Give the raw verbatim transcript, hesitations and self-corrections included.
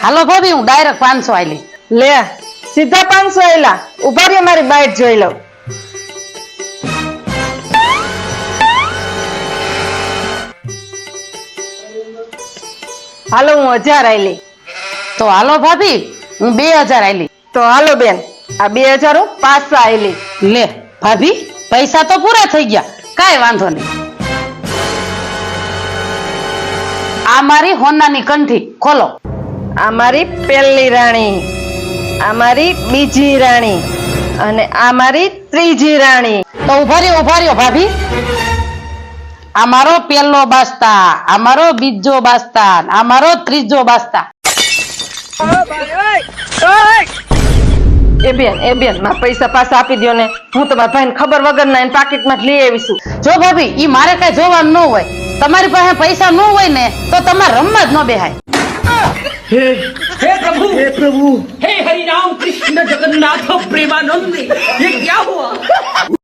હાલો ભાભી હું ડાયરેક્ટ પાંચસો આલી લે સીધા પાંચસો આયલા ઉભા રે મારી બાઈટ જોઈ લઉં હાલો હું હજાર આયલી તો હાલો ભાભી હું બે હજાર આલી તો હાલો બેન આ બે હજાર હું પાછા આયલી લે ભાભી પૈસા તો પૂરા થઈ ગયા કાંઈ વાંધો નહીં આ મારી હોનાની કંઠી ખોલો આ મારી પહેલી રાણી આ મારી બીજી રાણી અને આ મારી ત્રીજી રાણી તો ઉભા રહ્યો ઉભા રહ્યો ભાભી આ મારો પહેલો બાસ્તા આ મારો બીજો બાસ્તા આ મારો ત્રીજો બાસ્તા એ બેન એ બેન મારા પૈસા પાછા આપી દો ને હું તમારા ભાઈને ખબર વગર ના એને પાકીટમાં જ લઈ આવીશું જો ભાભી ઈ મારે કઈ જોવાનું ન હોય તમારી પાસે પૈસા ન હોય ને તો તમારે રમવા જ ન બેહાય हे हे प्रभु हे प्रभु हे हरि राम कृष्ण जगन्नाथ प्रेमानंद ये क्या हुआ